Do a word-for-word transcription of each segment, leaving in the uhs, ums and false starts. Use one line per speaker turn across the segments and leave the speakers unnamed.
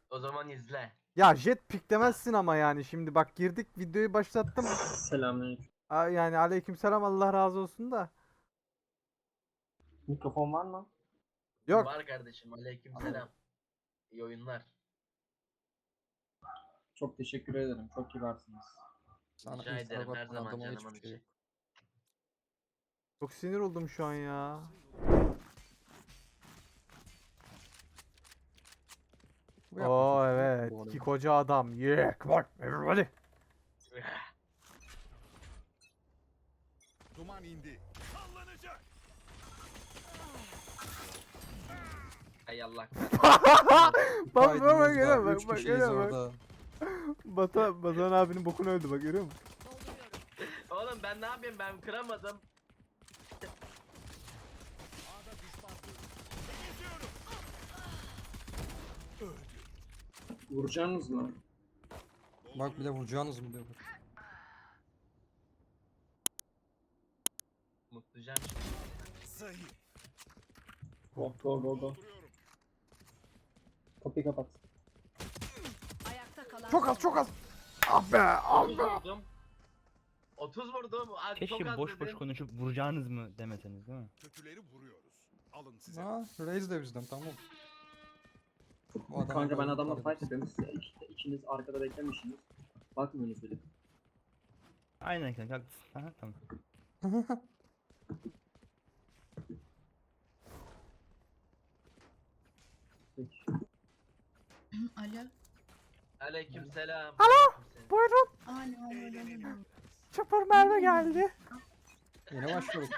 O zaman izle.
Ya jet pick demezsin ama yani şimdi bak girdik videoyu başlattım.
Selamünaleyküm.
Aa, yani aleykümselam Allah razı olsun da.
Mikrofon var mı?
Yok.
Var kardeşim. Aleykümselam. İyi oyunlar.
Çok teşekkür ederim. Çok kibarsınız.
Sana
Rica ederim,
Instagram
her zaman
adama
canımın
hiçbir şey
içi.
yok.
Çok sinir oldum şu an ya.
Bu
Oo
yapmış işte,
evet.
bu arada.
İki koca adam. Yeah, come on everybody.
Duman indi. Sallanacak.
Hay Allah.
Bak
Kaydımız
bak bak
var,
görüyor musun?
üç
Bak bak
kişiyiz
görüyor musun?
orada.
Bata, Batuhan abinin bokunu öldü bak görüyor musun?
Oğlum ben ne yapayım, ben kıramadım.
A'da düşman. Temizliyorum.
Vuracaksınız mı?
Bak bir de vuracağınız mı diyor.
Mutlucan.
Zayıf.
Go go go go.
Dolduruyorum.
Kapıyı kapat.
Ayakta kalan
Çok az çok az. Ah be ah
otuz
be.
vurdum. otuz vurdum. Abi çok
Keşke
az
boş boş
dedin.
konuşup vuracağınız mı demeseniz değil mi?
Kötüleri vuruyoruz. Alın size.
Ha, Raze de bizden tamam. Bu adama
Kanka ben
böyle
adamla
tarif-
fight yapıyorum. Siz ikiniz, ikiniz arkada beklemişsiniz. Bakmıyorsunuz bile.
Aynen kanka haklısın. Aha, tamam.
Peki.
Alo.
Aleykümselam.
Alo.
Aleykümselam.
Buyurun.
Alo. Alo.
Eğlenelim.
Çapır Merve geldi.
Yine başlıyoruz.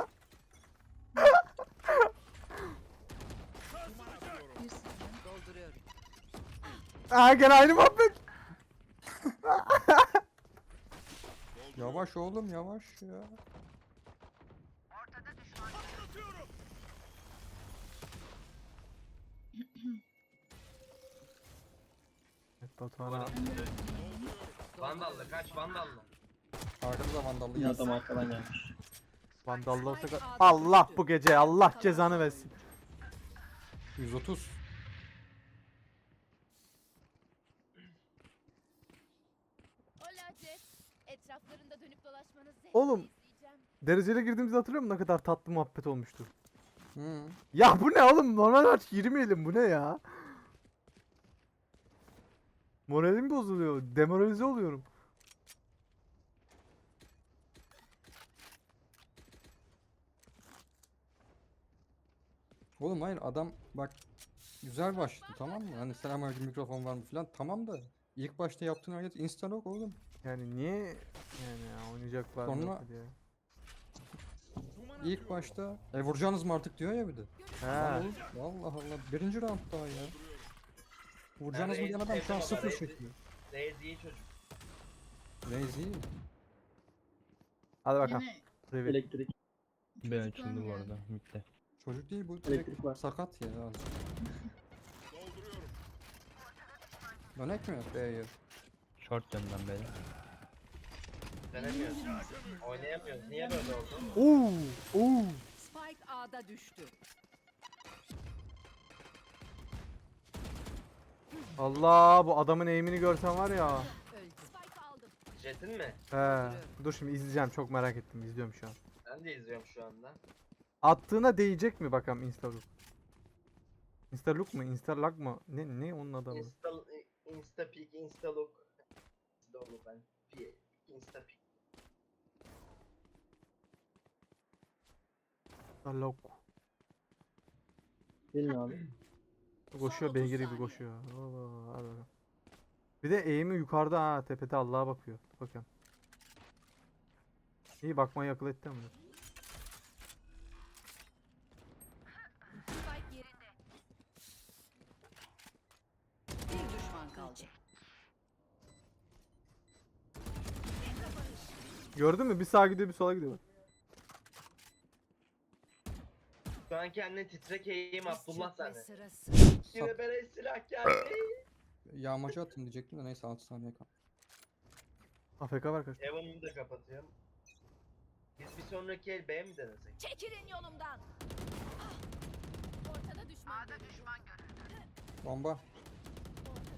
Sarsılacak.
Bir saniye.
dolduruyorum.
Aa gene aynı muhabbet.
Yavaş oğlum yavaş ya.
Patlatıyorum.
Evet Batuhan abi.
Vandallı kaç vandallı.
Arkamıza vandallı
Yine
yaz.
adam arkadan gelmiş.
Vandallı olsa ka- Allah bu gece Allah cezanı versin.
yüz otuz.
Hola Jet. Etraflarında dönüp dolaşmanız zevkle
Oğlum.
izleyeceğim.
Dereceli girdiğimizde hatırlıyor musun ne kadar tatlı muhabbet olmuştu.
Hı.
Ya bu ne oğlum normal aç girmeyelim bu ne ya? Moralim bozuluyor. Demoralize oluyorum.
Oğlum hayır adam bak güzel başladı tamam mı? Hani selamünaleyküm mikrofon var mı falan tamam da ilk başta yaptığın hareket insta lock oğlum.
Yani niye yani ya, oynayacaklar mı
Sonra-
yok diye.
Duman
İlk
atıyorum.
başta e vuracaksınız mı artık diyor ya bir de.
He.
Lan oğlum, Allah Allah birinci round daha ya. Vuracaksınız mı
Yani
diyen adam şu an
Reis-
sıfır
Reis-
çekiyor.
Reis iyi çocuk.
Raze iyi.
Hadi bakalım.
Yine
Reveal.
Elektrik.
B açıldı bu arada. Mitte.
Çocuk değil bu
Elektrik
direkt
var.
sakat ya. azıcık.
Dolduruyorum.
Dönek mi B'ye?
Short döndüm böyle.
Denemiyoruz. Oynayamıyoruz. Niye böyle oldu?
Oo, oo.
Spike A'da düştü.
Allah bu adamın eğimini görsen var ya.
Öldü.
Spike aldım.
Jet'in mi?
He. Dur şimdi izleyeceğim çok merak ettim izliyorum şu an.
Ben de izliyorum şu anda.
Attığına değecek mi bakalım Instalook? Instalook mu? Instalag mı? Ne ne onun adamı?
Insta, Insta Peek, Insta Look. Doğru ben. Pi- Insta Peek.
Instalook.
Gelin abi.
Koşuyor
otuz
beygir gibi
saniye.
koşuyor. Allah, hadi bakalım. Bir de eğimi yukarıda ha tepede Allah'a bakıyor. Bakın. İyi bakmayı akıl etti ama.
Spike yerinde.
Bir düşman kaldı.
Gördün mü? Bir sağa gidiyor bir sola gidiyor. Bak.
Şu an kendine titrek eğim Abdullah
Çökme
sende.
sırası.
Yine bere silah geldi.
Yağmacı atın diyecektim de neyse altı saniye kaldı.
A F K var kaç.
Evan'ı da kapatıyorum. Biz bir sonraki el B mi denesek?
Çekilin yolumdan. Ah! Ortada düşman.
Bomba.
Ortada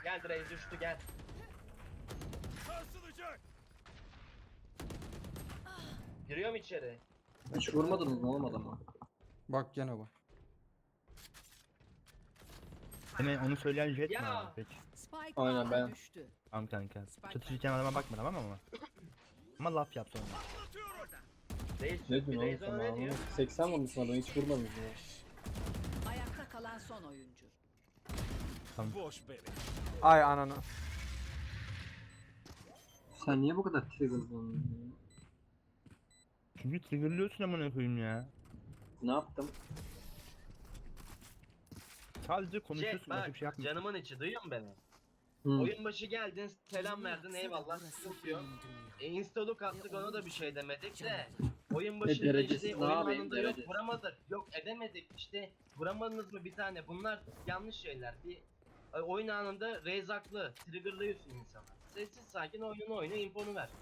Gel Reis düştü gel.
Sarsılacak.
Giriyorum içeri.
Hiç vurmadınız mı oğlum adama?
Bak gene bak.
Hemen onu söyleyen jet mi
Ya!
abi peki?
Spike
Aynen
A'da
ben.
düştü.
Tamam kanka. Çatışırken adama bakma tamam ama. Ama laf yap sonra.
Atıyorum.
Reis,
Ne diyorsun
Reis
oğlum
ona
sen
ne diyor?
abi? seksen vurmuşsun adamı hiç vurmadınız mı?
Ayakta kalan son oyuncu.
Boş bere.
Ay ananı.
Sen niye bu kadar triggerlandın?
Çünkü triggerlıyorsun amına koyayım ya.
Ne yaptım?
Sadece
Jet
konuşuyorsun başka
bak
bir şey yapmıyorsun.
canımın içi duyuyor musun beni?
Hı.
Oyun başı geldin selam verdin eyvallah sıkıntı yok. E, installuk attık ona da bir şey demedik de. Oyun başında
derecesiz
işte
ne
oyun
yapayım,
anında yok
derecesiz.
vuramadık yok edemedik işte vuramadınız mı bir tane bunlar yanlış şeyler. Bir e, oyun anında Reis haklı triggerlıyorsun insanı. Sessiz sakin oyunu oyna infonu ver.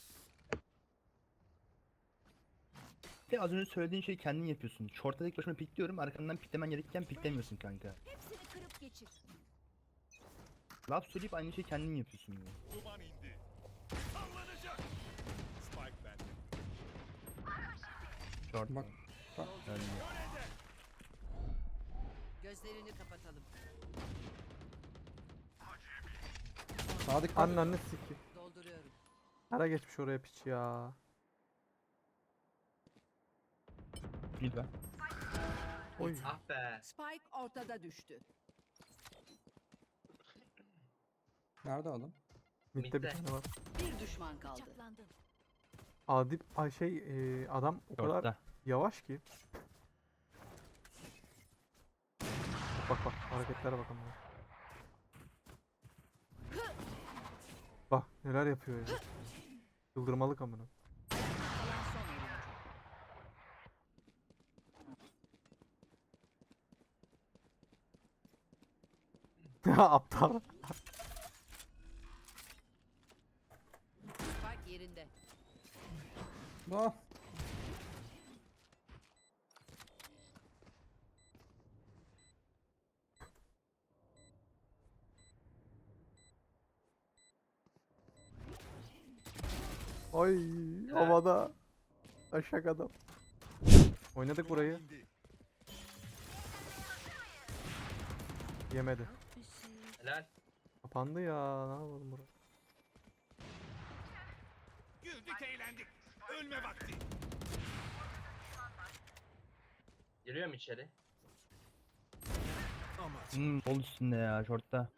Ve az önce söylediğin şeyi kendin yapıyorsun. Short'a tek başıma pikliyorum arkandan piklemen gerekirken piklemiyorsun kanka.
Hepsini kırıp geçir.
Laf söyleyip aynı şeyi kendin yapıyorsun ya.
Duman indi. Sallanacak. Spike bende.
Short.
Bak.
Yani.
Gözlerini kapatalım.
Sağa dikkat.
Ananı siki.
Dolduruyorum.
Ara geçmiş oraya piç ya.
Mid var.
Oy.
Ah be.
Spike ortada düştü.
Nerede adam?
Mid'de bir
Mid'de.
tane var.
Bir düşman kaldı.
Bıçaklandım.
Adip ay şey e, adam o kadar
Short'ta.
yavaş ki. Bak bak hareketlere bakın bak. Bak neler yapıyor ya. Yıldırmalık amına.
Kalan son oyuncu.
Aptal.
Spike yerinde.
Ah.
Ay havada. Aşak adam. Oynadık burayı.
İndi.
Yemedi.
Helal.
Kapandı ya. Ne yapalım buraya?
Güldük eğlendik. Ölme vakti.
Giriyorum içeri.
Ama
Hmm, sol üstünde ya short'ta.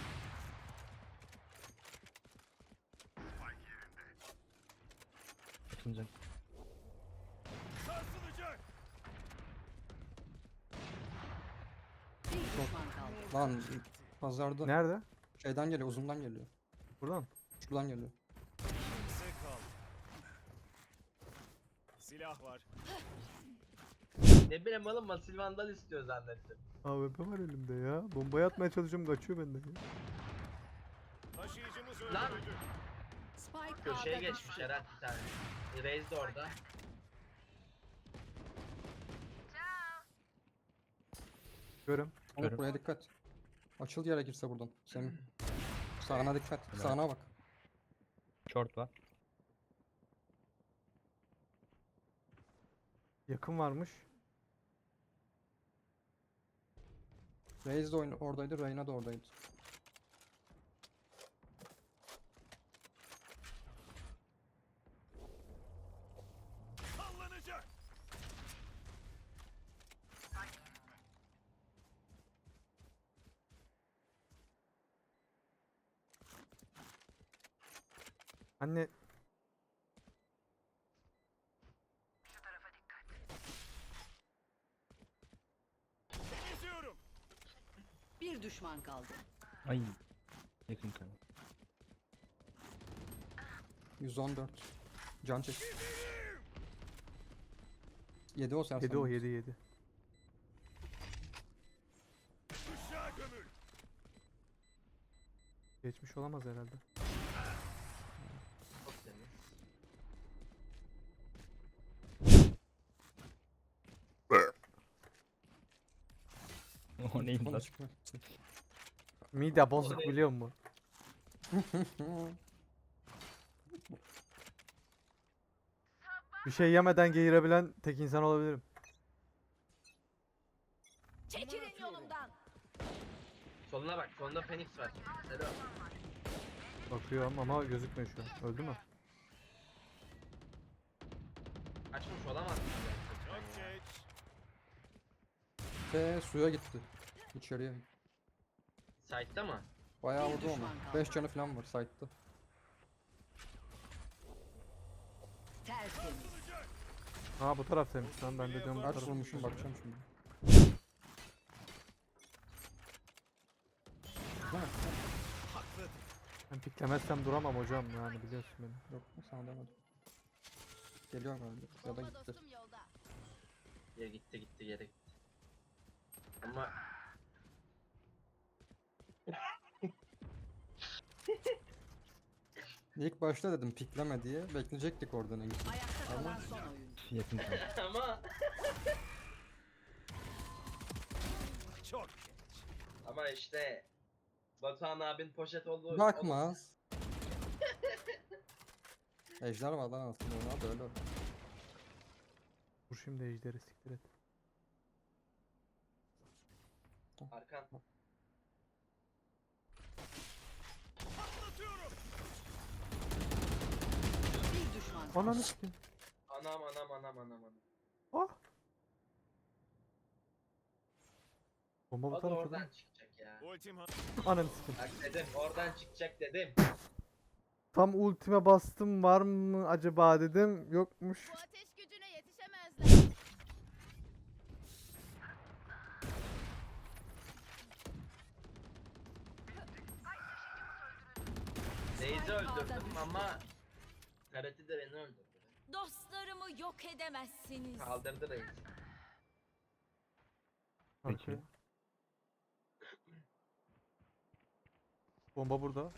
Açılacak.
sarsılacak.
Bir düşman kaldı.
Lan pazarda
Nerede?
şeyden geliyor, uzundan geliyor.
Buradan.
Şuradan geliyor.
Kimse kal. Silah var.
Ne bileyim oğlum Masil Vandal istiyor zannettim.
A W P var elimde ya. Bombayı atmaya çalışıyorum kaçıyor benden ya.
Taşıyıcımız
Lan!
öldürüldü.
Spike
Köşeye
A'da
geçmiş
düştü.
herhalde bir tane. E, Reis de orada.
Görüm.
Oğlum
Görüyorum.
buraya dikkat. Açıl gerekirse buradan. Semih. Sağına dikkat.
Helal.
Sağına bak.
Short var.
Yakın varmış.
Reis de oyun oradaydı, Reyna da oradaydı.
Sallanacak.
Anne
Temizliyorum.
Bir düşman kaldı.
Ay. Yakın kanka.
yüz on dört. Can çek. yedi o sersem.
yedi o yedi yedi.
Işığa gömül.
Geçmiş olamaz herhalde.
Çok temiz.
O neymiş
Onu
lan?
çıkma.
Mide bozuk biliyor musun? Bir şey yemeden geğirebilen tek insan olabilirim.
Çekilin yolumdan.
Soluna bak. Solunda Phoenix var. Selam.
Bakıyorum ama gözükmüyor şu an. Öldü mü?
Kaçmış olamaz.
Çok geç.
Ve suya gitti. İçeriye.
Site'da mı?
Bayağı
Bir
vurdu ama.
düşman kaldı.
beş canı falan var site'da.
Tertemiz.
Ha bu taraftaymış lan, ben de diyorum bu
Kaç
taraf.
vurmuşum bakacağım şimdi. Ha,
Haklı.
Ben piklemezsem duramam hocam, yani biliyorsun beni.
yok mu sana demedim. Geliyor galiba ya da
Bomba
gitti.
dostum yolda.
Ya gitti gitti geri gitti. Ama
İlk başta dedim pikleme diye bekleyecektik oradan en iyisi.
Ayakta kalan son oyuncu.
Yakın kaldı.
ama
Çok geç.
ama işte Batuhan abin poşet olduğu
Bakmaz. Ejder var lan aslında ona da öyle.
Dur şimdi ejderi siktir et.
Arkan.
Atlatıyorum.
Bir düşman kaldı.
Ananı sikeyim.
Anam anam anam anam anam.
Ah. Bomba bu
O da
tarafta
oradan
değil mi?
çıkacak ya.
Ultim ha-
Ananı sikeyim.
Bak dedim oradan çıkacak dedim.
Tam ultime bastım, var mı acaba dedim, yokmuş.
Bu ateş gücüne yetişemezler.
Reis'i öldürdüm ama Karate de beni öldürdü.
Dostlarımı yok edemezsiniz.
Kaldırdı Reis.
Peki.
Arkaya. Bomba burada.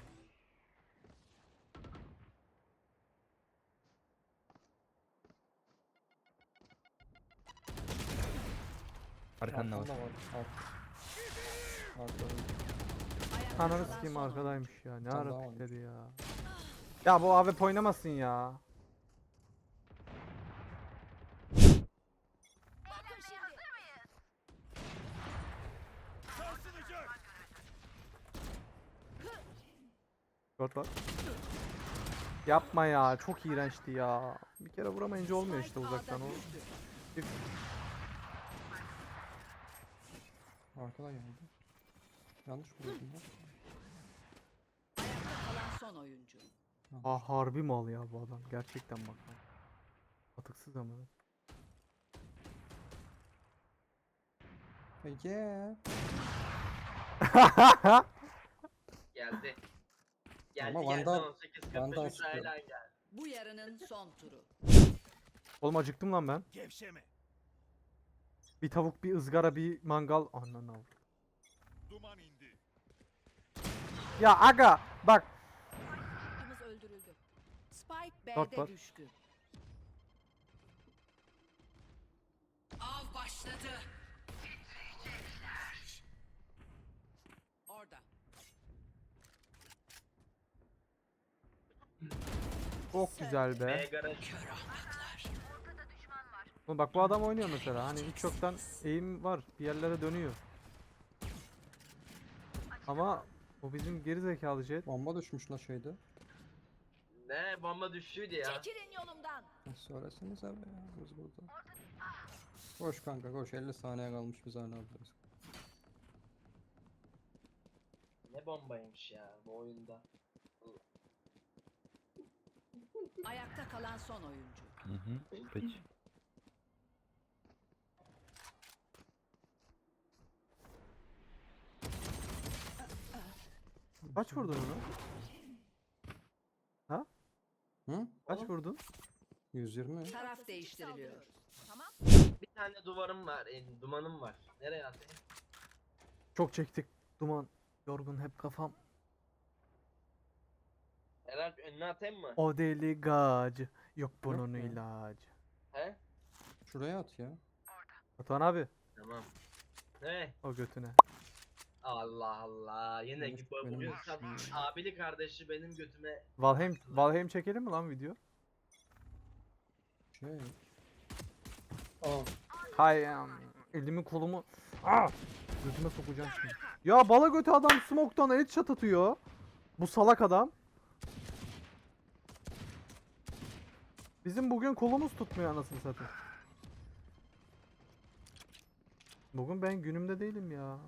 Arkanda var.
Arkanda var. Alt. Arkada.
Ayakta
Ananı
kalan
sikeyim,
son oyuncu.
arkadaymış ya. Ne
Bir tane
ara
daha var.
pikledi ya. Ya bu A W P oynamasın ya.
Bakın şimdi.
Sarsılacak.
Short var. Yapma ya, çok iğrençti ya. Bir kere vuramayınca olmuyor işte
Spike
uzaktan
A'da
o.
düştü.
Arkadan geldi. Yanlış mı dedim ben?
Ayakta kalan son oyuncu.
Ha harbi mal ya bu adam. Gerçekten bak. lan. Atıksız ama.
Ege.
Geldi. Geldi
Ama
geldi
Vandal-
on sekiz kırk
Vandal
beş
sıkıyor.
Ukrayna geldi.
Bu yarının son turu.
Oğlum acıktım lan ben.
Gevşeme.
Bir tavuk, bir ızgara, bir mangal. Ananı al.
Duman indi.
Ya aga bak.
Oyuncumuz öldürüldü. Spike
Dört var.
B'de düştü. Av başladı. Orada.
Çok güzel
B
be.
garaj.
Oğlum bak bu adam oynuyor mesela. Hani hiç yoktan eğim var. Bir yerlere dönüyor. Ama o bizim geri zekalı jet.
Bomba düşmüş la şeyde.
Ne bomba düştüydü ya.
Çekilin yolumdan.
Ya söylesenize be ya biz burada. Koş kanka koş elli saniye kalmış biz hala buradayız.
Ne bombaymış ya bu oyunda.
Ayakta kalan son oyuncu.
Hı hı. Peki.
Kaç vurdun onu?
Hı?
Kaç vurdun?
yüz yirmi.
Taraf değiştiriliyor.
Tamam.
Bir tane duvarım var, e, dumanım var. Nereye atayım?
Çok çektik. Duman. Yorgun hep kafam.
Herhalde önüne atayım mı?
O deli gacı. Yok bunun
ya.
ilacı.
He?
Şuraya at ya.
Batuhan abi.
Tamam. Ne?
O götüne.
Allah Allah. Yine
Benim-
gibi
benim
bugün
de
tam
düşünüyorum.
abili kardeşi benim götüme
Valheim, Valheim çekelim mi lan video?
Şey.
Aa,
Hay am, elimi kolumu ah! Götüme sokacağım şimdi. Ya bala götü adam smoke'tan headshot atıyor. Bu salak adam. Bizim bugün kolumuz tutmuyor anasını satayım. Bugün ben günümde değilim ya.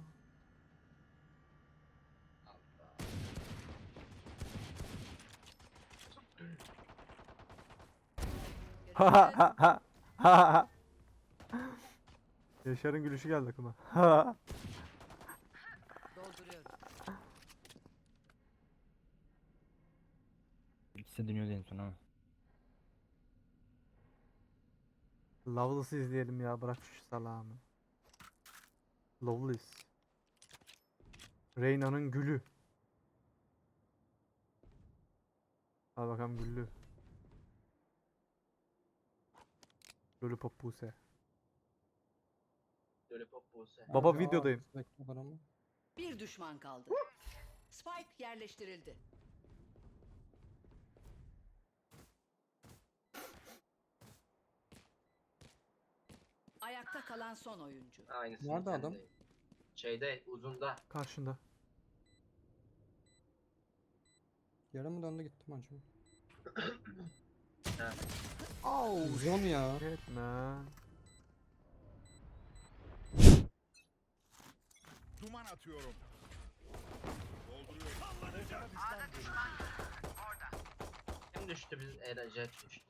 Ha ha ha ha ha ha. Yaşar'ın gülüşü geldi aklıma. Ha.
Dolduruyorum.
İkisi de dönüyordu en son ama.
Loveless'ı izleyelim ya, bırak şu salamı. Loveless. Reyna'nın gülü. Al bakalım güllü. Lollipop Buse.
Lollipop Buse.
Baba
Aa,
videodayım.
bekle var ama.
Bir düşman kaldı. Spike yerleştirildi. Ayakta kalan son oyuncu.
Aynısı.
Nerede adam?
Şeyde uzunda.
Karşında.
Yere mi döndü gittim acaba?
Ha.
Oh
Zon ya.
shit man.
Duman atıyorum. Dolduruyorum. Sallanacak.
Kim düştü biz Era Jet düştü.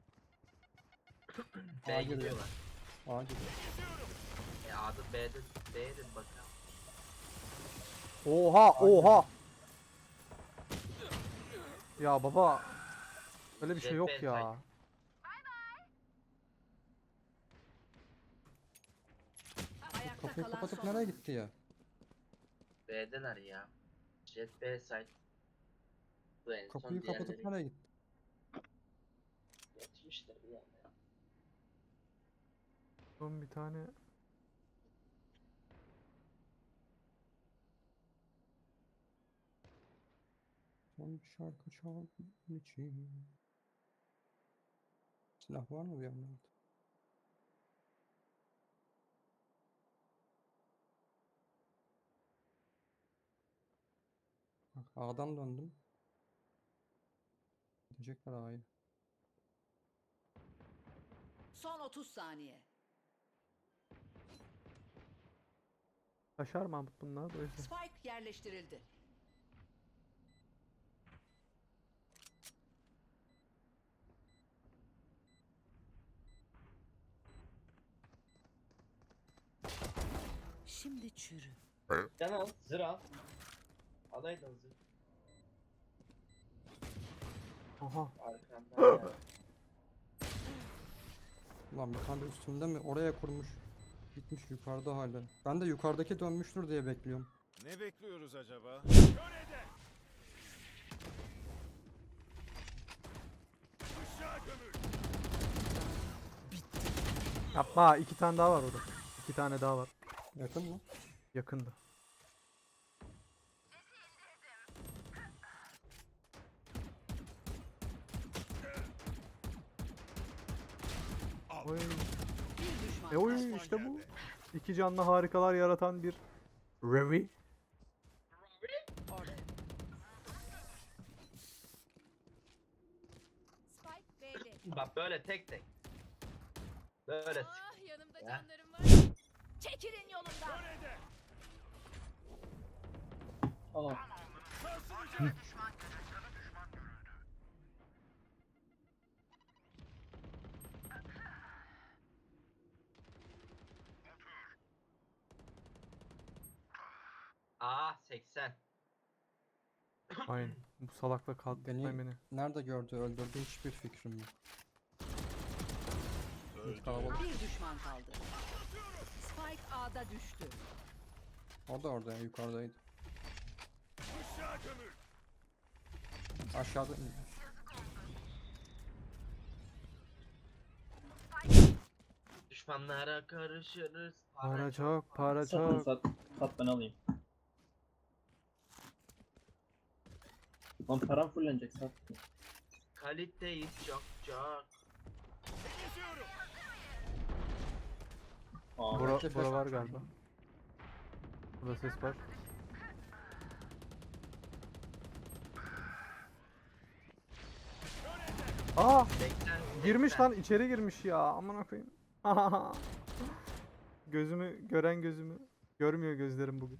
Aa,
B'ye
geliyor.
gidiyorlar.
Aa gidiyor.
E adı B'de B'de bakalım.
Oha oha. Ya baba. Öyle bir şey
Jet
yok
B
ya.
Ayakta
Kapıyı
kalan
kapatıp
son
nereye
oyuncu.
gitti ya?
B'deler ya. Jet B site. Bu en son
Kapıyı kapatıp
diğerleri
nereye gitti?
yetişmişler bir yanda.
Son bir tane.
Son bir şarkı çal için. Silah var mı bir yandan? Bak A'dan döndüm. Gidecekler A'ya.
Son otuz saniye.
Taşar Mahmut bunlar da o yüzden.
Spike yerleştirildi. Şimdi çürü.
Can al, zır al. Adaydın zır.
Aha.
Arkandan gel.
Ulan bir tane de üstümde mi? Oraya kurmuş. Gitmiş yukarıda hala. Ben de yukarıdaki dönmüştür diye bekliyorum.
Ne bekliyoruz acaba? Körede. Aşağı gömül.
Yapma, iki tane daha var orada. İki tane daha var.
Yakın mı?
Yakında. Oy.
Bir düşman
E oy
kaldı.
işte bu. İki canlı harikalar yaratan bir Revi.
Orada.
Spike B'de.
Bak böyle tek tek. Böyle.
Ah yanımda
Ya.
canlarım var. Çekilin yolumdan.
Körede.
aa.
Sarsılacak.
Aa seksen.
Aynen. Bu salakla kaldırtmayın
Beni-
beni.
Nerede gördü öldürdü hiçbir fikrim yok. Bir kalabalık.
Bir düşman kaldı. Spike A'da düştü.
O da orada ya, yukarıdaydı.
Aşağı gömül.
Aşağıda
Düşmanlara karışırız.
Para çok, para
Satın
çok.
sat. Sat ben alayım. Lan param fullenecek sat.
Kaliteyiz çok çok.
Temizliyorum.
Aa,
Bura,
Flash
bura var
atmış.
galiba. Burada ses var. Aa!
Bekler.
Girmiş
bekler.
lan, içeri girmiş ya. Aman koyayım. Gözümü gören gözümü görmüyor gözlerim bugün.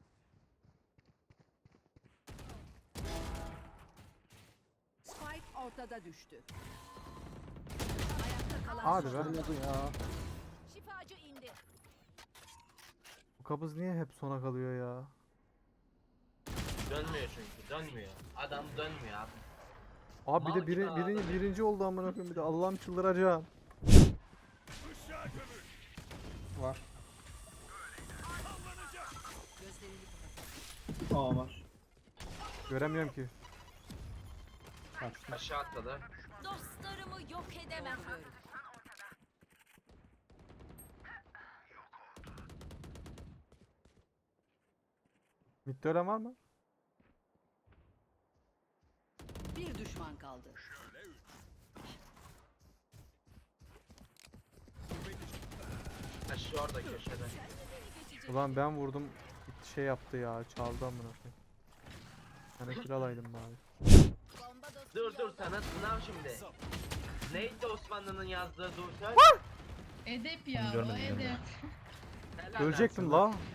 Spike ortada düştü. Ayakta kalan
Hadi
son
be.
oyuncu.
Olmadı ya.
Şifacı indi.
Bu kabız niye hep sona kalıyor ya?
Dönmüyor çünkü dönmüyor. Adam dönmüyor abi.
Abi bir
Mal
de biri,
gibi
biri,
ağladı.
birinci oldu amına koyayım bir de Allah'ım çıldıracağım.
Işığa gömül.
Var.
Sallanacak.
Gözlerini kapat.
aa var.
Göremiyorum ki.
Kaçtı.
Aşağı atladı.
Dostlarımı yok edemem.
Dolduruyorum.
Midde ölen var mı?
Bir düşman kaldı.
Aşağı orada köşede.
Ulan ben vurdum. gitti şey yaptı ya. Çaldı amına koyayım. Hani kill alaydım bari.
Bomba dostum
Dur dur
yolda.
sana sınav şimdi. Neydi Osmanlı'nın yazdığı dur söyle.
Edep ya o
Görmedim,
edep.
görmedim.
Helal
Ölecektim
olsun.
la.
Unutmam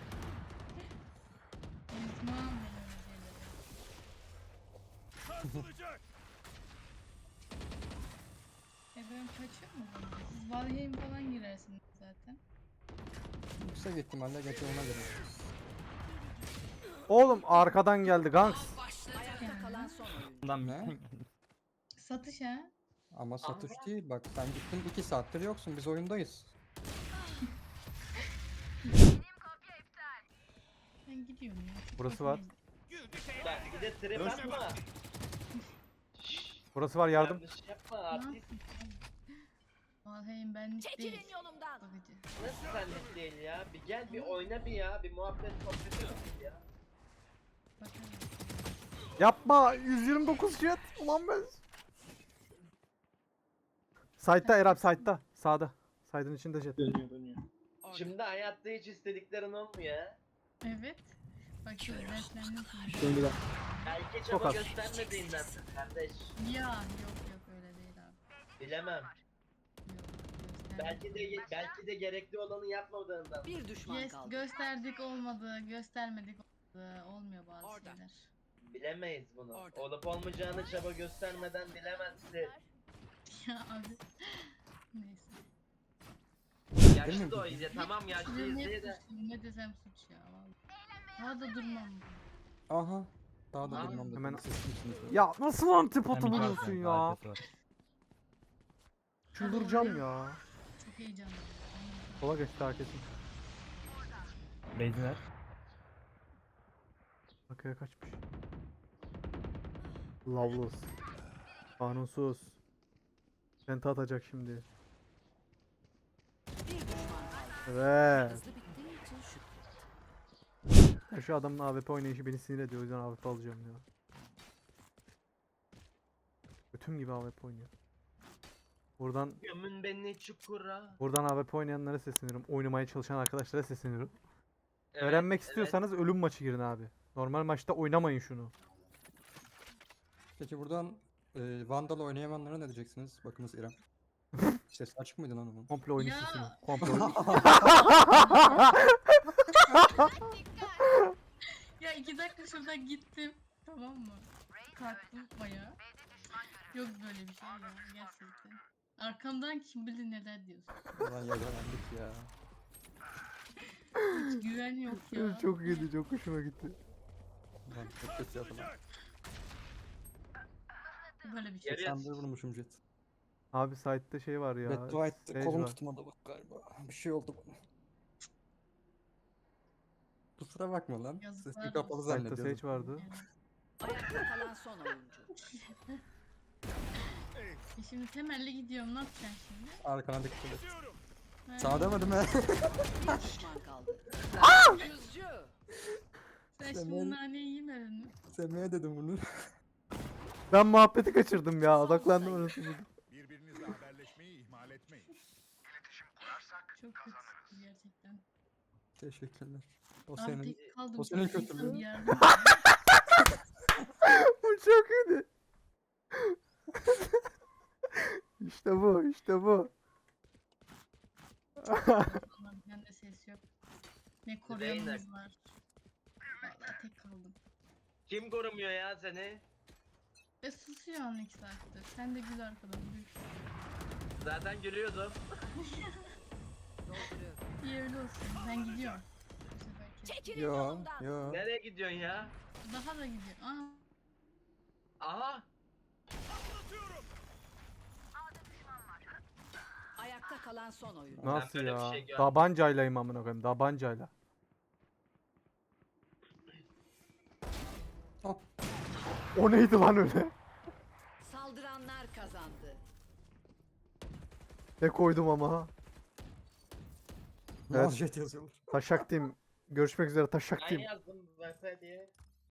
ben öyle şeyleri.
Sarsılacak.
E ben kaçıyor mu bundan? Siz Valheim falan girersiniz zaten.
Yüksek ihtimalle geçe ona göre.
Oğlum arkadan geldi Ganks.
Ayakta kalan son oyuncu.
Lan
Ne?
Satış ha?
Ama satış değil bak sen gittin iki saattir yoksun biz oyundayız.
Ben gidiyorum ya.
Burası var.
Bak bir de trip atma. Şşş,
Burası var yardım.
yanlış yapma
Ne
artist.
yapayım? Valheim benlik değil.
Çekilin yolumdan.
Bakıcı.
Nasıl senlik değil ya? Bir gel bir oyna bir ya. Bir muhabbet sohbet edelim ya.
Bakalım.
Yapma. yüz yirmi dokuz jet. Ulan ben. Side'da Erap side'da. Sağda. Side'ın içinde jet.
Dönüyor dönüyor.
Şimdi hayatta hiç istediklerin olmuyor ha.
Evet. Bakıyorum derslendim şimdi.
Şimdi bak.
Belki
Çok
çaba
az.
göstermediğinden kardeş.
Ya yok yok öyle değil abi.
Bilemem.
Yok gösterdik.
Belki de belki de gerekli olanı yapmadığından.
Bir düşman
Yes,
kaldı.
gösterdik olmadı, göstermedik olmadı. Olmuyor bazı
Orada.
şeyler.
Bilemeyiz bunu.
Orada.
Olup olmayacağını çaba göstermeden bilemezsin.
Ya abi. Neyse.
Yaşlı da o iyice. Tamam yaşlıyız
Ne,
diye de.
suçluyum, ne desem suç ya vallahi. Daha da durmam.
Aha. Daha da
Aa,
durmam dedim.
hemen-
Siz kimsiniz?
Ya nasıl antipotu
Hem
buluyorsun
arkası,
ya?
arkası var.
Çıldıracağım ya.
Çok heyecanlıyım.
Sola geçti herkesin.
Beyzinler.
Arkaya kaçmış. Loveless. Kanunsuz. Penta atacak şimdi.
Bir düşman kaldı.
Evet.
Hızlı bittiği için şükret.
Ya şu adamın A W P oynayışı beni sinir ediyor. O yüzden A W P alacağım ya. Götüm gibi A W P oynuyor. Buradan
Gömün beni çukura.
buradan A W P oynayanlara sesleniyorum. Oynamaya çalışan arkadaşlara sesleniyorum.
Evet,
Öğrenmek
evet.
istiyorsanız ölüm maçı girin abi. Normal maçta oynamayın şunu.
Peki buradan e, Vandal oynayamayanlara ne diyeceksiniz? Bakınız İrem. Ses açık mıydı lan onun?
Komple oyunu
Ya.
sesini. Komple oyunu.
Ya iki dakika şuradan gittim. Tamam mı? Kalktım baya. Yok böyle bir şey ya gerçekten. Arkamdan kim bilir neler diyorsun.
Ulan yakalandık ya.
Hiç güven yok ya.
Çok iyiydi, çok hoşuma gitti.
Ulan çok kötü yapılan.
Böyle bir şey.
Yarı-
seksen bir vurmuşum jet.
Abi site'de şey var ya.
Beddua etti.
Sage
Kolum
var.
tutmadı bak galiba. Bir şey oldu bana. Kusura bakma lan.
Yazıklar
Sesim kapalı
olsun.
Site'de
zannediyorum.
Sage vardı.
Ayakta kalan son oyuncu.
E şimdi temelli gidiyorum ne yapacaksın şimdi?
Arkana dikkat et.
Temizliyorum.
Ha,
Sağ demedim he.
Bir düşman kaldı. Yüzcü.
Sen
Temel-
şimdi naneyi yemedin mi?
Semih'e dedim bunu.
Ben muhabbeti kaçırdım ya. Odaklandım orası.
Birbirinizle haberleşmeyi ihmal etmeyin.
Çok kötü gerçekten.
Teşekkürler. O
Abi
senin.
tek kaldım.
o senin
İnsan
kötülüğün.
bir yardım
Bu çok iyiydi. İşte bu, işte bu.
Allah'ım, bende ses yok. Ne koruyanımız
Zeynep.
var. Vallahi tek kaldım.
Kim korumuyor ya seni?
Ve susuyor an iki saattir. Sen de gül arkadan gül.
Zaten gülüyordum.
Dolduruyorum.
İyi öyle olsun. Ben gidiyorum. Bu seferki.
Çekilin
Yo
yolumdan.
yo.
Nereye gidiyorsun ya?
Daha da gidiyor. Aa,
Aha.
Patlatıyorum.
Ayakta kalan son oyun.
Nasıl
böyle bir
ya?
şey görmedim.
Tabancaylayım amına koyayım. Tabancayla.
Hop.
O neydi lan öyle?
Saldıranlar kazandı.
Ne koydum ama ha.
Evet.
Evet.
Jet yazıyorlar.
Taşak Team. Görüşmek üzere Taşak
Ben
Team.
yazdım V F diye.